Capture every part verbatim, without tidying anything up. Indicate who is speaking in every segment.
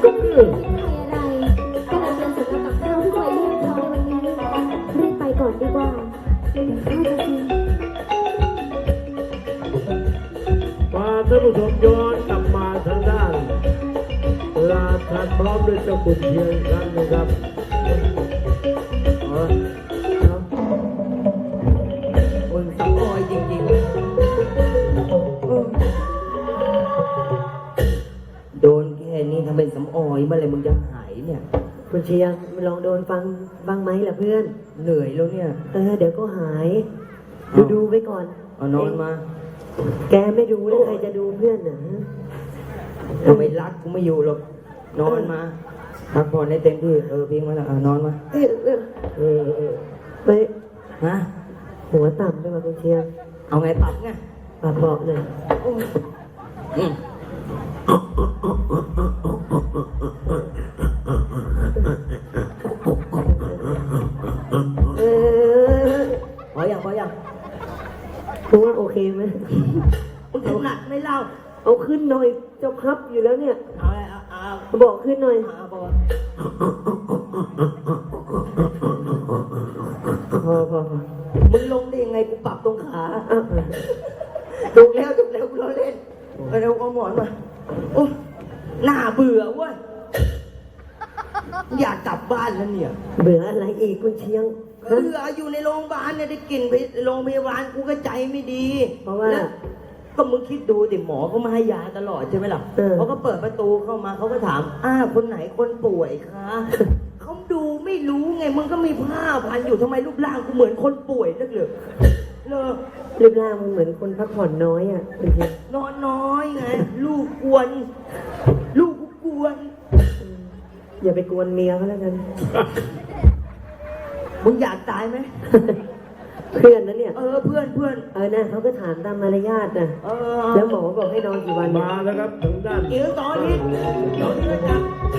Speaker 1: ก็ไม่ได้คิดอะไรก็เลยเป็นสำหรับกับข้าวที่คอยเรียกเขาในวันนี้รีบไปก่อนดีกว่าเดี๋ยวข้าวจะกิน
Speaker 2: พาท่านผู้ชมย้อนกลับมาทางด้านลาทันพร้อมด้วยเจ้าคุณเชียงครั้งนะครับเอาละครับ
Speaker 3: คนสำออยจริงๆเออโดนแค่นี้ทำเป็นสำออยเมื่อไหรมึงจะหายเนี่ย
Speaker 4: คุณเชียงลองโดนฟังบ้างไหมล่ะเพื่อน
Speaker 3: เหนื่อยแล้วเนี่ย
Speaker 4: เออเดี๋ยวก็หาย ดูดูไว้ก่อน
Speaker 3: เอานอนมา
Speaker 4: แกไม่ดูแล้วใครจะดูเพื่อนน่ะฮะ
Speaker 3: ทำไมรักกูไม่อยู่หรอกนอนมาพักผ่อนให้เต็มที่เออเพียงมาแล้วอ่ะนอนมา
Speaker 4: เออเออ
Speaker 3: เออเออ
Speaker 4: ไป
Speaker 3: ฮะ
Speaker 4: หัวต่ำด้วยว่ะคุณเชียง
Speaker 3: เอาไงปรับไง
Speaker 4: ปากบอกหน่อย
Speaker 3: อืม
Speaker 4: เออ
Speaker 3: พออย่างพออย่าง
Speaker 4: คุณว่าโอเคไหม
Speaker 3: มึงถนัดไม่เล่า
Speaker 4: เอาขึ้นหน่อยเจ้าครับอยู่แล้วเนี่ย
Speaker 3: เอาเลยเอาเอาเอา
Speaker 4: บอกขึ้นหน่อย
Speaker 3: เอาบอก
Speaker 4: พอพอพอ
Speaker 3: มึงลงได้ยังไงกูปรับตรงขา
Speaker 4: อ่ะ
Speaker 3: ถูกแล้วถูกแล้วกูล้อเล่นเอาเร็วเอาหมอนมาโอ้น่าเบื่อเว้ยอยากกลับบ้านแล้วเนี่ย
Speaker 4: เบื่ออะไรอีกคุณเชียงฮะ
Speaker 3: เบื่ออยู่ในโรงพยาบาลเนี่ยได้กลิ่นไปโรงพยาบาลกูก็ใจไม่ดี
Speaker 4: เพราะว่า
Speaker 3: แล้วก็มึงคิดดูดิหมอเขามาให้ยาตลอดใช่ไหมล่ะ
Speaker 4: เออ
Speaker 3: เขาก็เปิดประตูเข้ามาเขาก็ถามอ้าคนไหนคนป่วยคะเขาดูไม่รู้ไงมึงก็มีผ้าพันอยู่ทำไมรูปร่างกูเหมือนคนป่วยนักเลยเลอ
Speaker 4: รูปร่างมันเหมือนคนพักผ่อนน้อยอ่ะคุณเชียง
Speaker 3: นอนน้อยไง ลูกกวน ลูกกูกวน
Speaker 4: อย่าไปกวนเมียเขาแล้วกัน
Speaker 3: มึงอยากตายไหม
Speaker 4: เพื่อนนะเนี่ย
Speaker 3: เออเพื่อนเพื่อน
Speaker 4: เออนะเขาก็ถามตามมารยาทนะ
Speaker 3: เออ
Speaker 4: แล้วหมอบอกให้นอนกี่วัน
Speaker 2: มาแล้วครับทางด้าน
Speaker 3: เดี๋ยวตอนนี้ตอนนี้นะครับ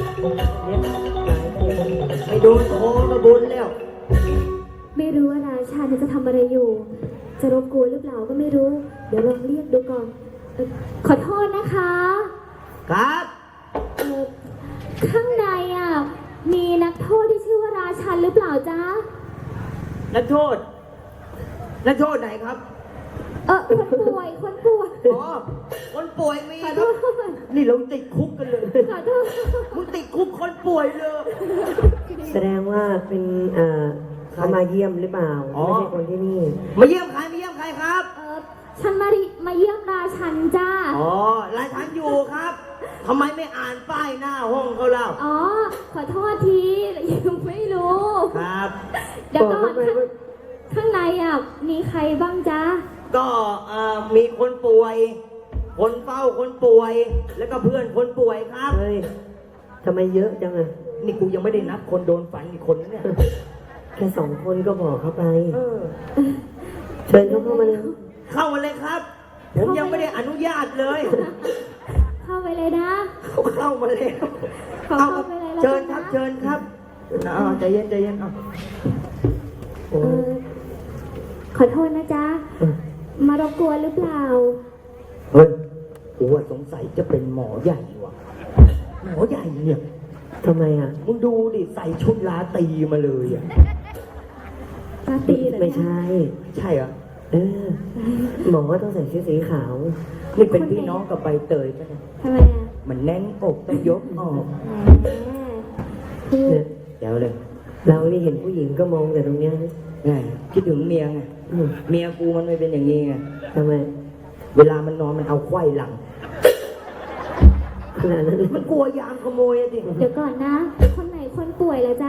Speaker 3: ไม่โดนโคกระบุนแล้ว
Speaker 1: ไม่รู้ว่าราชาเนี่ยจะทำอะไรอยู่ จะรบกวนหรือเปล่าก็ไม่รู้ เดี๋ยวลองเรียกดูก่อนเอ่อขอโทษนะคะ
Speaker 3: ครับ
Speaker 1: เอ่อข้างในอ่ะมีนักโทษที่ชื่อว่าราชันหรือเปล่าจ๊ะ
Speaker 3: นักโทษ นักโทษไหนครับ
Speaker 1: เออคนป่วยคนป่วย
Speaker 3: อ๋อ คนป่วยมี
Speaker 1: ขอ
Speaker 3: ค
Speaker 1: โท
Speaker 3: รับ
Speaker 1: ษ
Speaker 3: นี่เราติดคุกกันเลย
Speaker 1: ขอโทษ
Speaker 3: มึงติดคุกคนป่วยเลย
Speaker 4: แสดงว่าเป็นเอ่อเขามาเยี่ยมหรือเปล่า
Speaker 3: อ๋อ
Speaker 4: ไม่ใช่คนที่นี่
Speaker 3: มาเยี่ยมใครมาเยี่ยมใครครับ
Speaker 1: เออฉันมาริมาเยี่ยมราชันจ้า
Speaker 3: อ๋อรายทันอยู่ครับทำไมไม่อ่านป้ายหน้าห้องเขาเล่า
Speaker 1: อ๋อ ขอโทษทียังไม่รู้
Speaker 3: ครับ
Speaker 1: เดี๋ยวก่อน
Speaker 4: บอกเข้าไปว่า
Speaker 1: ข้างในอ่ะมีใครบ้างจ๊ะ
Speaker 3: ก็เอ่อมีคนป่วย คนเฝ้าคนป่วย แล้วก็เพื่อนคนป่วยครับ
Speaker 4: เฮ้ยทำไมเยอะจังอะ
Speaker 3: นี่กูยังไม่ได้นับคนโดนฟันอีกคนนะเนี่ย
Speaker 4: แค่สองคนก็บอกเขาไป
Speaker 3: เออ
Speaker 4: เชิญเขาเข้ามาเลย
Speaker 3: เข้ามาเลยครับ ผมยังไม่ได้อนุญาตเลย
Speaker 1: เข้าไปเลยนะ
Speaker 3: เขาเข้ามาแล้ว
Speaker 1: ขอ
Speaker 3: เอา
Speaker 1: เข้าไปเลยแล้ว
Speaker 3: เชิญ
Speaker 1: กัน
Speaker 3: ครับ
Speaker 1: นะ
Speaker 3: เชิญครับเอาใจเย็นใจเย็นเอา
Speaker 4: โอ้
Speaker 1: เออขอโทษนะจ๊ะ มารบกวนหรือเปล่า
Speaker 3: เฮ้ยกูว่าสงสัยจะเป็นหมอใหญ่ว่ะ หมอใหญ่เนี่ย
Speaker 4: ทำไมอ่ะ
Speaker 3: มึงดูดิใส่ชุดลาตรีมาเลยอ่ะ
Speaker 1: ปาร์ตี้เหรอ
Speaker 4: ไม่
Speaker 1: จ๊ะ
Speaker 4: ใช่
Speaker 3: ใช่เหรอ
Speaker 4: เออ หมอก็ต้องใส่ชุดสีขาว
Speaker 3: นี่เป็นพี่น้องกับใบเตยปะเนี่ย
Speaker 1: ทำไมอ่ะ
Speaker 3: มันแน่นอกต้องยกออก
Speaker 1: แหมคือ
Speaker 4: เนี่ย
Speaker 3: เดี๋ยวเลย
Speaker 4: เรานี่เห็นผู้หญิงก็มองแต่ตรงเนี้ยนะ
Speaker 3: ไงคิดถึงเมียไง
Speaker 4: อืม
Speaker 3: เมียกูมันไม่เป็นอย่างนี้ไง
Speaker 4: ทำไม
Speaker 3: เวลามันนอนมันเอาไขว้หลัง
Speaker 4: ขนาดนั้นเลย
Speaker 3: มันกลัวยามขโมยอะดิ
Speaker 1: เดี๋ยวก่อนนะ คนไหนคนป่วยแล้วจ๊ะ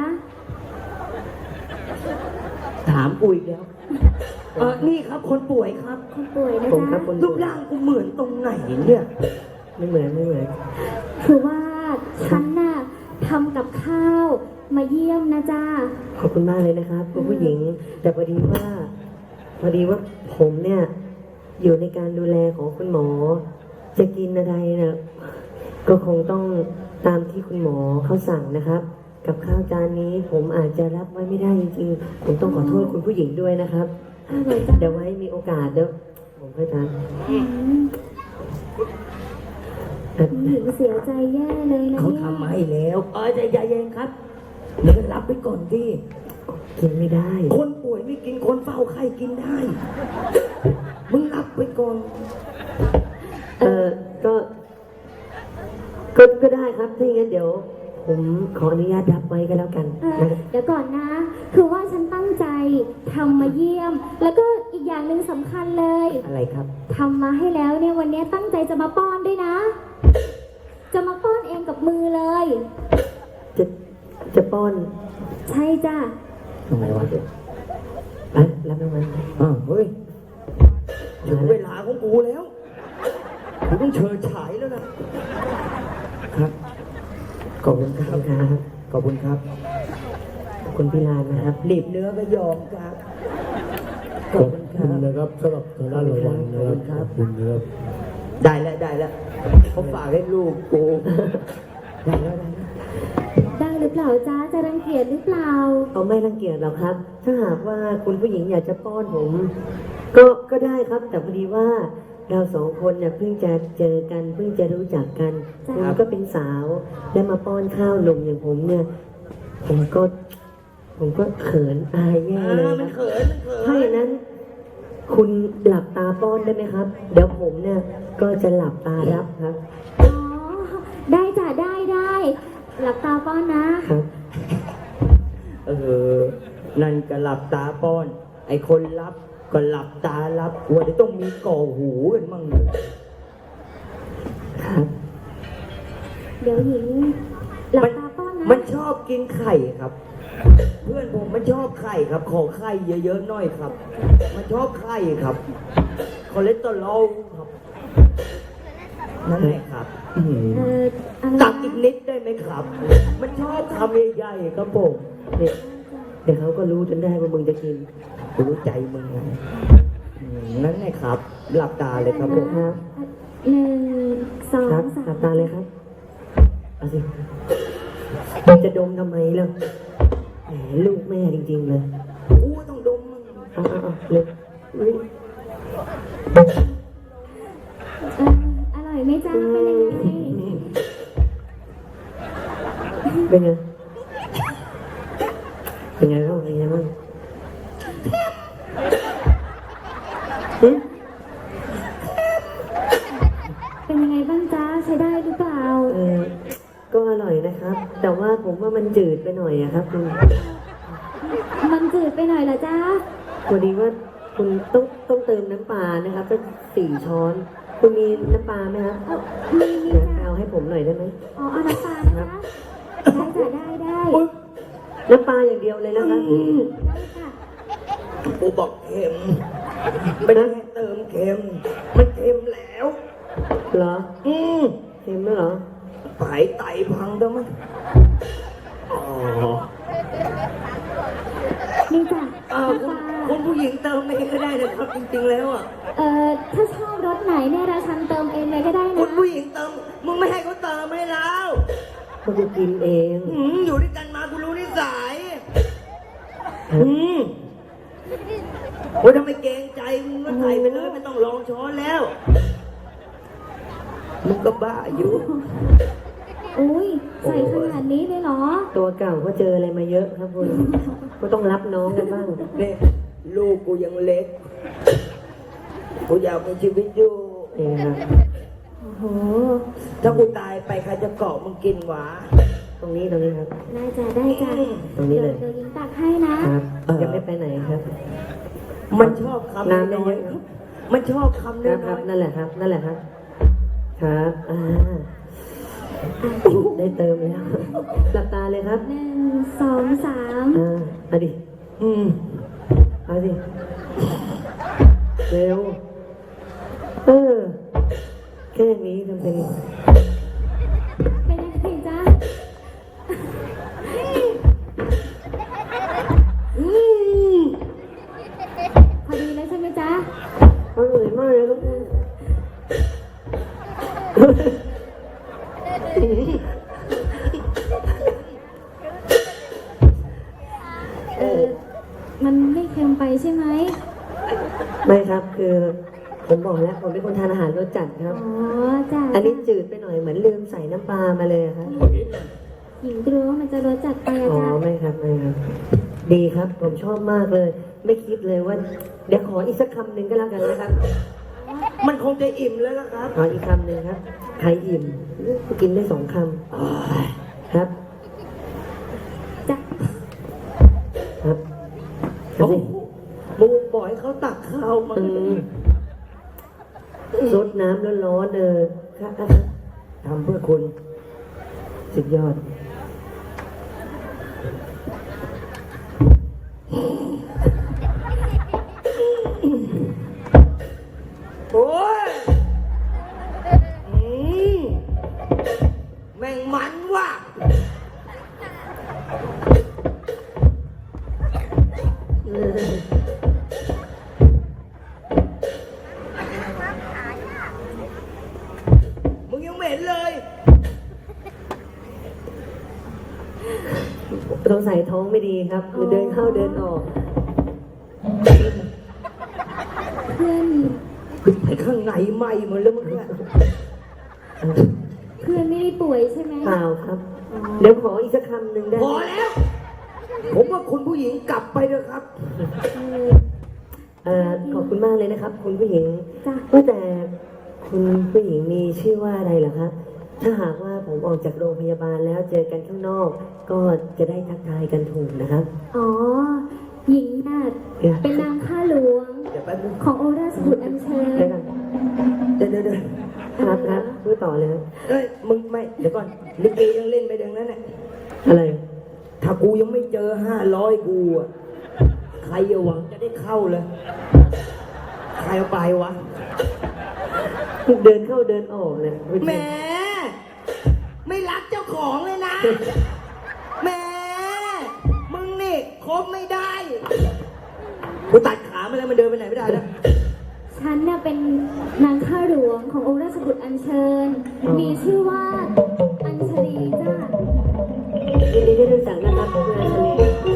Speaker 3: ถามกูอีกแล้ว เออนี่ครับคนป่วยครับ
Speaker 1: คนป่วยนะ
Speaker 4: ผมครั
Speaker 1: จ๊ะ
Speaker 4: บคน
Speaker 3: รูปร่างกูเหมือนตรงไหนเนี่ย
Speaker 4: ไม่เหมือนไม่เหมือน
Speaker 1: คือว่าฉันน่ะทำกับข้าวมาเยี่ยมนะจ๊ะ
Speaker 4: ขอบคุณมากเลยนะครับคุณผู้หญิง แต่พอดีว่า พอดีว่าผมเนี่ย อยู่ในการดูแลของคุณหมอ จะกินอะไรนะก็คงต้องตามที่คุณหมอเขาสั่งนะครับ กับข้าวจานนี้ผมอาจจะรับไว้ไม่ได้จริงๆ ผมต้องขอโทษคุณผู้หญิงด้วยนะครับ
Speaker 1: อร่อยจัง
Speaker 4: เดี๋ยวไว้มีโอกาสเดี๋ยวผมค่อยทาน
Speaker 1: อืม
Speaker 4: เอ่อ
Speaker 1: หญิงเสียใจแย่เลยนะ
Speaker 3: เขา
Speaker 1: เนี่ย
Speaker 3: ทำมาให้แล้วเออใจเย็นๆครับเดี๋ยวรับไปก่อนที่
Speaker 4: กินไม่ได้
Speaker 3: คนป่วยไม่กินคนเฝ้าไข้กินได้ มึงรับไปก่อน
Speaker 4: เออก็ ก็ก็ได้ครับถ้าอย่างนั้นเดี๋ยว ผมขออนุญาตรับไว้ก็แล้วกัน
Speaker 1: เออ
Speaker 4: นะครับ
Speaker 1: เดี๋ยวก่อนนะ คือว่าฉันตั้งใจทำมาเยี่ยม แล้วก็อีกอย่างหนึ่งสำคัญเลย
Speaker 3: อะไรครับ
Speaker 1: ทำมาให้แล้วเนี่ยวันนี้ตั้งใจจะมาป้อนด้วยนะ จะมาป้อนเองกับมือเลย
Speaker 4: จะจะป้อน
Speaker 1: ใช่จ้ะ
Speaker 3: ทำไมวะ
Speaker 4: ไปรับรางวัล
Speaker 3: อ้าวเฮ้ยถึงเวลาของกูแล้วกูต้องเชิญฉายแล้วนะครับ ขอบคุณค
Speaker 4: ขอบ
Speaker 3: รับ
Speaker 4: คุณครับ
Speaker 3: ขอบคุณครับ
Speaker 4: ขอบคุณพี่ลานนะครับ
Speaker 3: หลีบเนื้อก็ยอมครับ ข
Speaker 2: ข
Speaker 3: อ
Speaker 2: อ
Speaker 3: บบ คุณค
Speaker 2: คุ
Speaker 3: รั
Speaker 2: ณ
Speaker 3: บ
Speaker 2: นะครับสำหรับทางด้านรางวัลนะครับขอบคุณนะครับ
Speaker 3: ได้แล้วได้แล้วเขาฝากให้ลูกกูได้แล้วได้แล้ว
Speaker 1: ได้หรือเปล่าจ้าจะรังเกียจหรือเปล่า
Speaker 4: เขาไม่รังเกียจหรอกครับ ถ้าหากว่าคุณผู้หญิงอยากจะป้อนผม ก็ก็ได้ครับ แต่พอดีว่าเราสองคนเนี่ยเพิ่งจะเจอกันเพิ่งจะรู้จักกัน
Speaker 1: จ้ะ
Speaker 4: คุณก็เป็นสาวได้มาป้อนข้าวหนุ่มอย่างผมเนี่ย ผมก็ ผมก็เขินอายแย่
Speaker 3: อ่า
Speaker 4: เลย
Speaker 3: มัน
Speaker 4: ครับ
Speaker 3: เขินมันเขิน
Speaker 4: ถ้าอย่างนั้น คุณหลับตาป้อนได้ไหมครับ เดี๋ยวผมเนี่ยก็จะหลับตารับครับ
Speaker 1: อ๋อ ได้จ้ะได้ได้ หลับตาป้อนนะ
Speaker 4: ครับ
Speaker 3: เออ นั่นก็หลับตาป้อน ไอคนรับก็หลับตารับกลัวจะต้องมีก่อหูกันมั่งเลย
Speaker 4: ครับ
Speaker 1: เดี๋ยวหญิง หลับตาป้อนนะ
Speaker 3: มันชอบกินไข่ครับ เพื่อนผมมันชอบไข่ครับ ขอไข่เยอะๆหน่อยครับ มันชอบไข่ครับ คอเลสเตอรอลครับ นั่นแหละครับอื้อหือ
Speaker 1: เอออะไร
Speaker 3: ตักอี
Speaker 1: นะ
Speaker 3: กนิดได้ไหมครับ มันชอบคำใหญ่ๆครับผม
Speaker 4: เนี่ยเดี๋ยวเขาก็รู้จนได้ว่ามึงจะกิน
Speaker 3: รู้ใจมึงไงอืมนั่นแหละครับ หลับตาเลยครับผม
Speaker 4: ครับ
Speaker 1: หนึ่งสอง
Speaker 4: ครับ
Speaker 1: สา
Speaker 4: หลั
Speaker 1: ม
Speaker 4: บตาเลยครับ เอาสิจะดมทำไมล่ะแหมลูกแม่จริงๆเลย
Speaker 3: กูต้องดมมึง
Speaker 4: เอาเอาเอาเลยอุ๊ย
Speaker 1: เอออร่อยไหมจ้าเป็นยังไง
Speaker 4: เป็นไง เป็นไงบ้างเป็นไงบ้างหึ
Speaker 1: เป็นยังไงบ้างจ้าใช้ได้หรือเปล่า
Speaker 4: เออก็อร่อยนะครับ แต่ว่าผมว่ามันจืดไปหน่อยอะครับคุณ
Speaker 1: มันจืดไปหน่อยเหรอจ้า
Speaker 4: พอดีว่าคุณต้องต้องเติมน้ำปลานะครับสักสี่ช้อน คุณมีน้ำปลาไหมครับ
Speaker 1: เออมีมี
Speaker 4: เดี๋ยว
Speaker 1: จ้า
Speaker 4: เอาให้ผมหน่อยได้ไหม
Speaker 1: อ๋อเอาน้ำปลานะคะได้จ้ะได้ได้
Speaker 4: น้ำปลาอย่างเดียวเลยนะครับ
Speaker 1: ได้ค่ะ
Speaker 3: กูบอกเค็มไม่ได้ให้เติมเค็ม มันเค็มแล้ว
Speaker 4: เหรอ
Speaker 3: อืม
Speaker 4: เค็มแล้วเหรอ
Speaker 3: ไตไตพังได้ไหมอ๋อ
Speaker 1: นี่จ้ะ
Speaker 3: อ้าว
Speaker 1: น้ำ
Speaker 3: คุ
Speaker 1: ปลา
Speaker 3: ณคุณผู้หญิงเติมเองก็ได้นะครับ จริงๆแล้วอ่ะ
Speaker 1: เอ่อถ้าชอบรสไหนเนี่ยราชันเติมเองเลยก็ได้
Speaker 3: คุ
Speaker 1: นะ
Speaker 3: ณผู้หญิงเติม มึงไม่ให้เขาเติมให้แล้ว
Speaker 4: ก็กูกินเอง
Speaker 3: อืมอยู่ด้วยกันมากูรู้นิสัย
Speaker 4: ครับ
Speaker 3: อืมโอ้ยทำไมเกรงใจมึงก็ใส่ไปเลยไม่ต้องลองช้อนแล้ว มึงก็บ้าอยู่
Speaker 1: อุ้ยใส่ขนาดนี้เลยเหรอ
Speaker 4: ตัวเก่าก็เจออะไรมาเยอะครับคุณ ก็ต้องรับน้องกันบ้าง
Speaker 3: เนี่ยลูกกูยังเล็ก กูอยากมีชีวิตอยู่
Speaker 4: เองครับ
Speaker 1: โอ้โห
Speaker 3: ถ้ากูตายไปใครจะเกาะมึงกินหวา
Speaker 4: ตรงนี้ตรงนี้ครับ
Speaker 1: ได้จ้ะได้จ้ะ
Speaker 4: ตรงนี้เลย
Speaker 1: ดี๋วดี๋ยวยิงตักให้นะ
Speaker 4: ครับจะไม่ไปไหนครับ
Speaker 3: มันชอบคำ
Speaker 4: น้ำได้
Speaker 3: น้อ
Speaker 4: เย
Speaker 3: ย
Speaker 4: อะ
Speaker 3: ๆมันชอบคำน้
Speaker 4: ครับครั
Speaker 3: อบ ย
Speaker 4: นั่นแหละครับ นั่นแหละครับ ครับ อ่า ได้เติมแล้วหลับตาเลยครับ
Speaker 1: หนึ่งสองสาม
Speaker 4: อ่าเอาดิ
Speaker 3: ๆอืม
Speaker 4: เอาสิ เร็ว เออ แค่นี้ทำเป็น
Speaker 1: เป็นยังไงจ๊ะ
Speaker 3: อืม
Speaker 1: พอดีแล้วใช่ไหมจ๊ะ
Speaker 4: อร่อยมากเลยครับคุณ
Speaker 1: เออมันไม่เค็มไปใช่ไหม
Speaker 4: ไม่ครับ คือผมบอกแล้วผมเป็นคนทานอาหารรสจัดครับ
Speaker 1: อ๋อจ้ะ
Speaker 4: อันนี้จืดไปหน่อยเหมือนลืมใส่น้ำปลามาเลยอะครับ
Speaker 1: หญิงกลัวว่ามันจะรสจัดไปอะ
Speaker 4: อ๋อ
Speaker 1: จ้ะ
Speaker 4: ไม่ครับไม่ครับ ดีครับผมชอบมากเลย ไม่คิดเลยว่า เดี๋ยวขออีกสักคำหนึ่งก็แล้วกันนะครับ
Speaker 3: มันคงจะอิ่มแล้วล่ะครับ
Speaker 4: ขออีกคำหนึ่งครับใครอิ่มกินได้สองคำครับ
Speaker 1: จ้ะ
Speaker 4: ครับ
Speaker 3: โอ้โหบูมปล่อยให้เขาตักข้าวมา
Speaker 4: อืมซดน้ำร้อนๆเออครับ
Speaker 3: ทำเพื่อคุณ
Speaker 4: สุดยอด
Speaker 3: โอ้ยอืมแม่งมันว่ะมึงยังไม่เห็นเลย
Speaker 4: ต้องใส่ท้องไม่ดีครับเดินเข้าเดินออก
Speaker 1: เพื่อน
Speaker 3: ไอ้ข้างในไหม้หมดแล้วมึงเนี่ย
Speaker 1: เพื่อนไม่ได้ป่วยใช่ไหม
Speaker 4: เปล่าครับ เดี๋ยวขออีกสักคำหนึ่งได้
Speaker 3: พอแล้ว ผมว่าคุณผู้หญิงกลับไปเถอะครับ
Speaker 1: เออ
Speaker 4: เอ่อขอบคุณมากเลยนะครับ คุณผู้หญิง
Speaker 1: จ้ะ
Speaker 4: ว่าแต่คุณผู้หญิงมีชื่อว่าอะไรเหรอครับ ถ้าหากว่าผมออกจากโรงพยาบาลแล้วเจอกันข้างนอก ก็จะได้ทักทายกันถูกนะครับ
Speaker 1: อ๋อ หญิงน่ะเป็นนางข้าหลวง
Speaker 3: เดี๋ยวแป๊บนึง
Speaker 1: ของโอราสบุตรอัญเชิญ
Speaker 4: ได้กัน
Speaker 3: เดี๋ยวเดี๋ยวเดี๋ยว
Speaker 4: ครับครับพูดต่อเลยครับ
Speaker 3: เอ้ย มึงไม่ เดี๋ยวก่อน ลิเกยังเล่นไปดังนั้นน่ะ
Speaker 4: อะไร
Speaker 3: ถ้ากูยังไม่เจอห้าร้อยกูอะใครจะหวังจะได้เข้าเลย ใครเอาไปวะ
Speaker 4: เดินเข้าเดินออกเลย
Speaker 3: แหม ไม่รักเจ้าของเลยนะ แหม มึงนี่คบไม่ได้ กูตัดขามาแล้วมันเดินไปไหนไม่ได้แล้ว
Speaker 1: ฉันน่ะเป็นนางข้าหลวงขององค์ราชบุตรอัญเชิญ มีชื่อว่าอัญชลีจ้า
Speaker 4: ยินดีที่รู้จักนะครับคุณอาชลี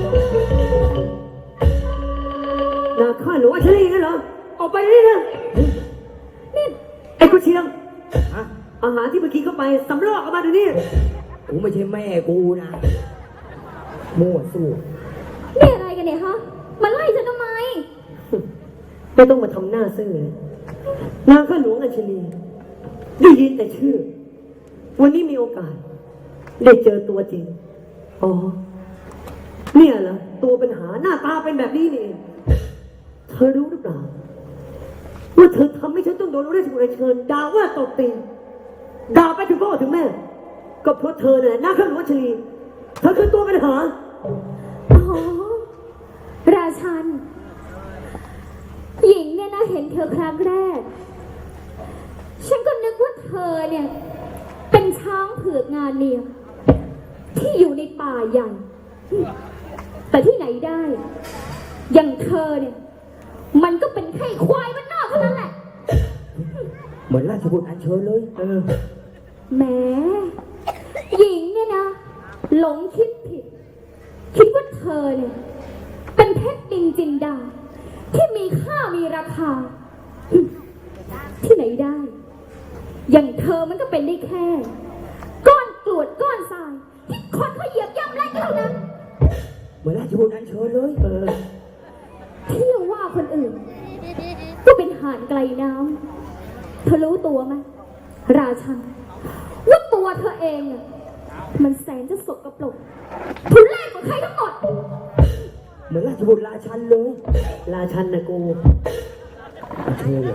Speaker 4: นาข้าหนูอาชลีกันเหรอ ออกไปนี่นะนี่ไอ้กุเชียง
Speaker 3: ฮะ
Speaker 4: อาหารที่เมื่อกี้เข้าไปสำรอกออกมาเดี๋ยวนี้
Speaker 3: กูไม่ใช่แม่กูนะ มั่วสู้
Speaker 1: นี่อะไรกันเนี่ยฮะมาไล่ฉันทำไม
Speaker 4: ไม่ต้องมาทำหน้าซื่อเลยนางข้าหลวงอัญชลีได้ยินแต่ชื่อ วันนี้มีโอกาส ได้เจอตัวจริง อ๋อ เนี่ยเหรอตัวปัญหาหน้าตาเป็นแบบนี้นี่เองเธอรู้หรือเปล่า ว่าเธอทำให้ฉันต้องโดนเรียกถึงเชิญด่าว่าตบตีด่าไปถึงพ่อถึงแม่ ก็เพราะเธอเนี่ยนางข้าหลวงอัญชลีเธอคือตัวปัญหา
Speaker 1: อ๋อ ราชัน หญิงเนี่ยนะเห็นเธอครั้งแรก ฉันก็นึกว่าเธอเนี่ย เป็นช้างเผือกงานเลี้ยงที่อยู่ในป่าใหญ่ แต่ที่ไหนได้ อย่างเธอเนี่ย มันก็เป็นแค่ควายมันนอกเท่านั้นแหละ
Speaker 3: เหมือนราชบุตรอัญเชิญเลย เออ
Speaker 1: แหมหญิงเนี่ยนะ หลงคิดผิด คิดว่าเธอเนี่ย เป็นเพชรดินจินดา ที่มีค่ามีราคา ที่ไหนได้ อย่างเธอมันก็เป็นได้แค่ ก้อนกรวดก้อนทราย ที่คนเขาเหยียบย่ำแรกเท่านั้น
Speaker 3: เหมือนราชบุตรอัญเชิญเลย เออ
Speaker 1: เที่ยวว่าคนอื่น ก็เป็นห่านไกลน้ำเธอรู้ตัวไหมราชันว่าตัวเธอเองน่ะมันแสนจะสกปรกทุเรศกว่าใครทั้งหมด
Speaker 3: เหมือนราชบุตรราชันเลย
Speaker 4: ราชันนะกู
Speaker 3: อัญเชิญเลย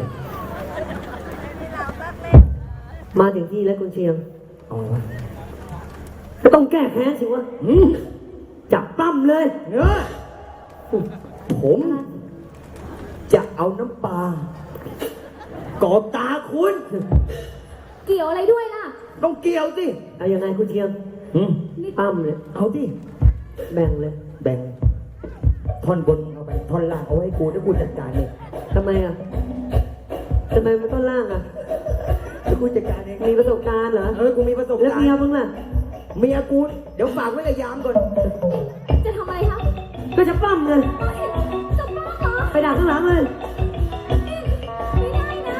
Speaker 4: มาถึงที่แล้วคุณเชียง
Speaker 3: อ๋อ
Speaker 4: ก็ต้องแก้แค้นสิวะ
Speaker 3: อืม
Speaker 4: จับปั้มเลย
Speaker 3: เนื้อผม จะเอาน้ำปลากอบตาคุณ
Speaker 1: เกี่ยวอะไรด้วยล่ะ
Speaker 3: ต้องเกี่ยวสิ
Speaker 4: เอายังไงคุณเชียง
Speaker 3: อืม
Speaker 4: ปั้มเลย
Speaker 3: เอาดิ
Speaker 4: แบ่งเลย
Speaker 3: แบ่ง ท่อนบนเอาไป ท่อนล่างเอาไว้ให้กูแล้วกูจัดการเอง
Speaker 4: ทำไมอ่ะทำไมมันต้นล่างอ่ะ
Speaker 3: แล้วกูจัดการเอง
Speaker 4: มีประสบการณ์เหรอ
Speaker 3: เออ กูมีประสบ
Speaker 4: แล้ว
Speaker 3: การ
Speaker 4: เมีย
Speaker 3: ณ์
Speaker 4: มึงล่ะ
Speaker 3: เมียกู เดี๋ยวฝากไว้กับยามก่อน
Speaker 1: จะทำอะไรคะ
Speaker 4: ก็จะปั้มเลย
Speaker 1: จะบ้าเหรอ
Speaker 4: ไปด่าข้างหลังเลย
Speaker 1: ไม่ได้นะ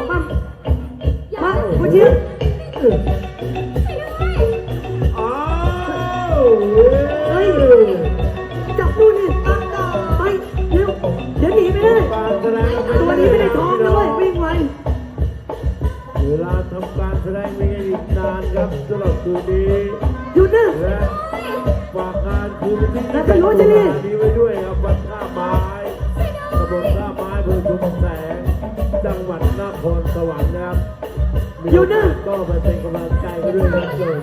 Speaker 4: อกมามาคุณเชียง
Speaker 2: อ้าว
Speaker 4: เฮ้ยจับดูนี่ตั้งต่อไปเร็วเดี๋ยวหนีไม่ได้
Speaker 2: การแสดง
Speaker 4: ตัวนี้ไม่ได้ท้องด้วยวิ่งไว
Speaker 2: เวลาทำการแสดงมีอีกนานครับสำหรับคืนนี้
Speaker 4: หยุดนะ
Speaker 2: และฝากงานคืนที่
Speaker 4: แล้วจะรู้จะนี่
Speaker 2: นี้ไว้ด้วยครับวัดท่าไม้ตำบลท่าไม้อำเภอชุมแสงจังหวัดนครสวรรค์นะครับมีโอกาสก็ไปเป็นกำลังใจกันด้วยนะเจ้า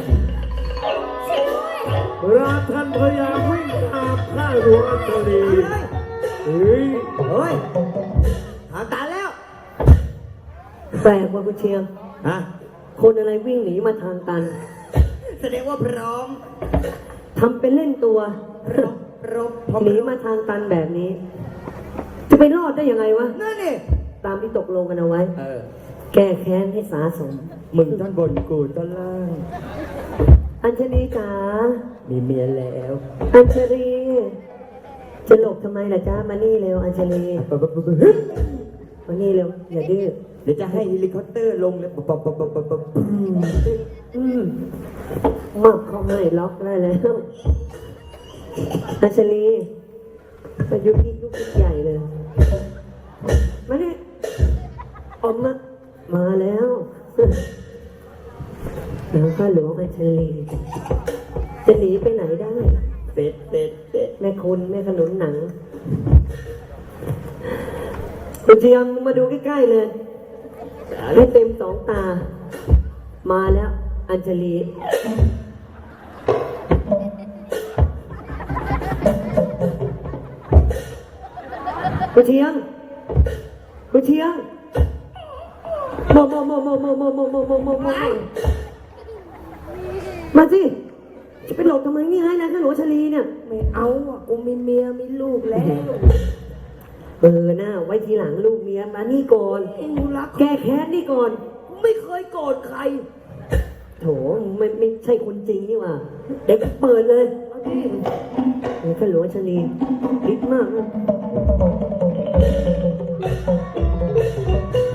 Speaker 2: ราทันพยายามวิ่งตามข้าหลวงอัศรีเฮ้ย
Speaker 3: เฮ้ยทางตันแล้ว
Speaker 4: แปลกว่าคุณเชียง
Speaker 3: ฮะ
Speaker 4: คนอะไรวิ่งหนีมาทางตัน
Speaker 3: แสดงว่าพร้อม
Speaker 4: ทำเป็นเล่นตัว
Speaker 3: พร้อมพร้อมพร้อม
Speaker 4: หนีมาทางตันแบบนี้ จะไปรอดได้ยังไงวะ
Speaker 3: นั่นนี่
Speaker 4: ตามที่ตกลงกันเอาไว้
Speaker 3: เออ
Speaker 4: แก้แค้นให้สาสม
Speaker 3: มึงท่อนบนกูท่อนล่าง
Speaker 4: อัญชลีจ๋า
Speaker 3: มีเมียแล้ว
Speaker 4: อัญชลี จะหลบทำไมล่ะจ้ามานี่เร็วอัญชลี
Speaker 3: ปั๊บปั๊บปั๊บปั๊บ
Speaker 4: มานี่เร็วอย่าดื้อ
Speaker 3: เดี๋ยวจะให้เฮลิคอปเตอร์ลงแล้วปั๊บปั๊บปั๊บปั๊บปั๊บ
Speaker 4: อืมมอบเขาให้ล็อกได้แล้วอัญชลีอายุยิ่งยุกใหญ่เลย มานี่ออกมา มาแล้วแล้วข้าหลวงอัญชลี จะหนีไปไหนได้
Speaker 3: เสร็จเสร็จเสร็จ
Speaker 4: แม่คุณแม่ขนุนหนัง คุณเชียงมาดูใกล้ๆเลยให้เต็มสองตา มาแล้ว อัญชลี คุณเชียง คุณเชียงโมโมโมโมโมโมโมโมโมโมโมมาสิ จะไปหลบทำไมนี่ให้นะข้าหลวงชลีเนี่ย
Speaker 3: ไม่เอาอ่ะกูมีเมียมีลูกแล้ว
Speaker 4: เออหน้าไว้ทีหลังลูกเมียมานี่ก่อน
Speaker 3: กูรัก
Speaker 4: แก้แค้นนี่ก่อน
Speaker 3: กูไม่เคยโกรธใคร
Speaker 4: โถไม่ไม่ใช่คนจริงนี่หว่า เด็กเปิดเลยโอ้ข้าหลวงชลีฤทธิ์มากนะ